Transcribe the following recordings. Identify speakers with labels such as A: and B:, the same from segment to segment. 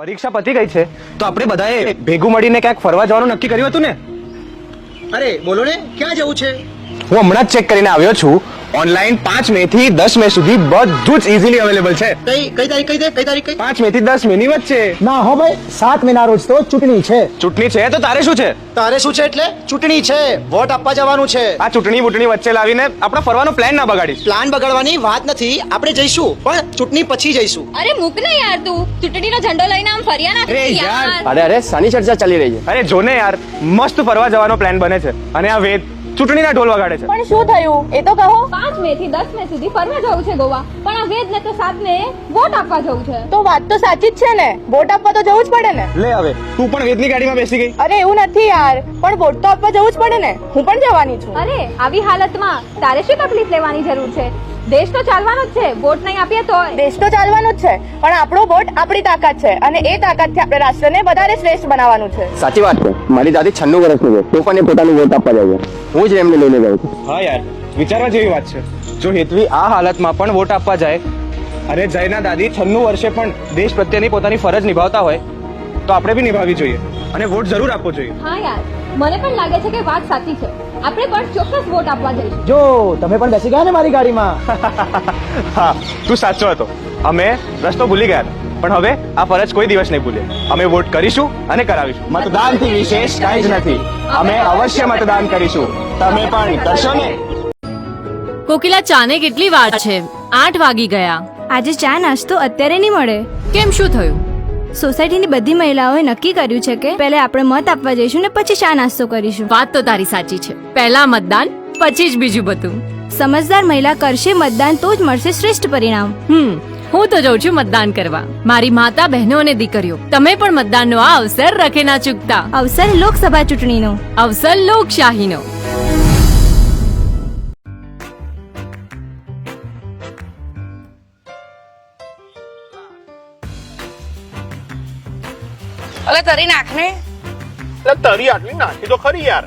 A: પરીક્ષા પતી ગઈ છે તો આપણે બધાએ ભેગું મળીને ક્યાંક ફરવા જવાનું નક્કી કર્યું હતું ને?
B: અરે બોલો ને, ક્યાં જવું છે?
A: હું હમણાં જ ચેક કરીને આવ્યો છું. ઓનલાઈન 5 મે થી 10 મે સુધી બધું જ ઇઝીલી અવેલેબલ છે.
B: કઈ તારીખ કઈ તારીખ
A: 5 મે થી 10 મે ની વચ્ચે.
C: ના હો ભાઈ, 7 મેના રોજ તો ચૂંટણી છે.
A: ચૂંટણી છે તો તારે શું છે?
B: તારે શું છે એટલે? ચૂંટણી છે, વોટ આપવા જવાનું છે.
A: આ ચૂંટણી બુટણી વચ્ચે લાવીને આપણા ફરવાનો પ્લાન ના બગાડીશ.
B: પ્લાન બગાડવાની વાત નથી, આપણે જઈશું પણ ચૂંટણી પછી જઈશું.
D: અરે મૂક ને યાર, તું ચૂંટણીનો ઝંડો લઈને આમ ફર્યા ના
A: અરે યાર.
E: અરે સાની ચર્ચા ચાલી રહી છે.
A: અરે જો ને યાર, મસ્ત ફરવા જવાનો પ્લાન બને છે અને આ વેદ ચૂંટણીના ઢોલ વગાડે છે.
D: પણ શું થયું એ તો કહો. 5 મે થી 10 મે સુધી ફરવા જવું છે ગોવા, પણ આ વેદ ને તો 7 મે વોટ આપવા જવું છે.
F: તો વાત તો સાચી જ છે ને, વોટ આપવા તો જવું જ પડે ને.
A: લે હવે તું પણ વેદની ગાડીમાં બેસી ગઈ.
F: અરે એવું નથી યાર, પણ વોટ તો આપવા જવું જ પડે ને. હું પણ જવાની છું.
D: અરે આવી હાલતમાં તારે શું તકલીફ લેવાની જરૂર છે? દેશ તો ચાલવાનો જ છે, વોટ નહીં આપીએ તો.
F: દેશ તો ચાલવાનો જ છે, પણ આપણો વોટ આપણી તાકાત છે અને એ તાકાતથી આપણે રાષ્ટ્રને વધારે શ્રેષ્ઠ બનાવવાનું છે.
E: સાચી વાત છે. મારી દાદી 96 વર્ષની છે તો પણ એ પોતાનું વોટ આપવા જાય છે. હું જ એમને લઈને ગયો છું.
A: હા યાર, વિચારવા જેવી વાત છે. જો હેતવી આ હાલતમાં પણ વોટ આપવા જાય અને જયના દાદી 96 વર્ષે પણ દેશ પ્રત્યેની પોતાની ફરજ નિભાવતા હોય તો આપણે બી નિભાવવી જોઈએ અને વોટ જરૂર આપવો જોઈએ.
D: હા યાર, મને પણ લાગે છે કે વાત સાચી છે. આપણે પણ ચોક્કસ વોટ આપવા જઈશું.
C: જો તમે પણ બેસી ગયા ને મારી ગાડીમાં.
A: હા, તું સાચો હતો. અમે રસ્તો ભૂલી ગયા હતા, પણ હવે આ ફરજ કોઈ દિવસ નહીં ભૂલે. અમે વોટ કરીશું અને કરાવીશું. મતદાનથી વિશેષ કાંઈ જ નથી. અમે અવશ્ય મતદાન કરીશું. તમે પણ કરશો ને?
G: કોકિલા, ચાને કેટલી વાર છે? 8 વાગી ગયા.
H: આજે ચા નાસ્તો અત્યારે નહીં મળે.
G: કેમ, શું થયું?
H: સોસાયટીની બધી મહિલાઓએ નક્કી કર્યું છે કે પહેલા આપણે મત આપવા જઈશું ને પછી ચા નાસ્તો કરીશું.
G: વાત તો તારી સાચી છે. પહેલા મતદાન, પછી જ બીજું બધું.
H: સમજદાર મહિલા કરશે મતદાન તો જ મળશે શ્રેષ્ઠ પરિણામ.
G: હું તો જઉં છું મતદાન કરવા. મારી માતા, બહેનો અને દીકરીઓ, તમે પણ મતદાનનો આ અવસર રખે ના ચૂકતા.
H: અવસર લોકસભા ચૂંટણીનો,
G: અવસર લોકશાહીનો.
F: અલે તરી નાખ ને.
I: તરી આટલી નાખી તો ખરી યાર.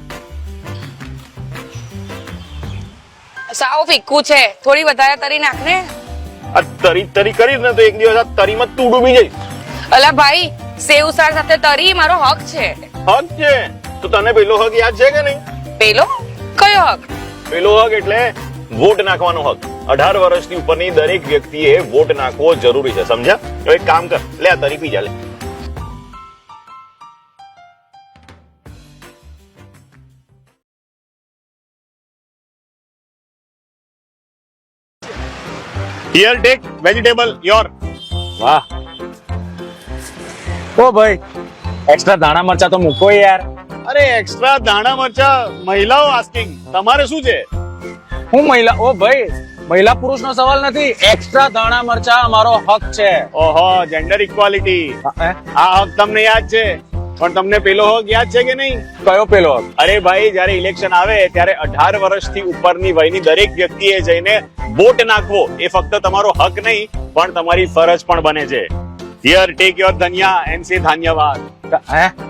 F: સાવ ફીક્કું છે, થોડી વધારે તરી નાખ ને.
I: આ તરી કરીશ ને તો એક દિવસ આ તરીમાં તું ડૂબી જઈશ.
F: અલા ભાઈ, સેવ સાર સાથે તરી મારો હક છે.
I: હક છે તો તને પેલો હક યાદ છે કે નહીં?
F: પેલો કયો હક?
I: પેલો હક એટલે વોટ નાખવાનો હક. 18 વર્ષની ઉપરની દરેક વ્યક્તિએ વોટ નાખવો જરૂરી છે, સમજ્યા? તો એક કામ કર, લે આ તરી પી જા લે. Here, take vegetable, your.
J: વાહ. ઓ ભાઈ, એક્સ્ટ્રા દાણા મરચા તો મૂકો યાર.
I: અરે એક્સ્ટ્રા દાણા મરચા મહિલાઓ આસ્કિંગ, તમારે શું છે?
J: હું મહિલા? ઓ ભાઈ, મહિલા પુરુષનો સવાલ નથી. એક્સ્ટ્રા દાણા મરચા અમારો હક છે.
I: ઓહો, જેન્ડર ઇક્વાલિટી. આ હક તમને યાદ છે, પણ તમને પેલો હક યાદ છે કે નહીં?
J: કયો પેલો હક?
I: અરે ભાઈ, જયારે ઇલેક્શન આવે ત્યારે 18 વર્ષથી ઉપરની વયની દરેક વ્યક્તિએ જઈને વોટ નાખવો એ ફક્ત તમારો હક નહીં પણ તમારી ફરજ પણ બને છે. હિયર ટેક યોર ધન્યા એન્ડ સે ધન્યવાદ.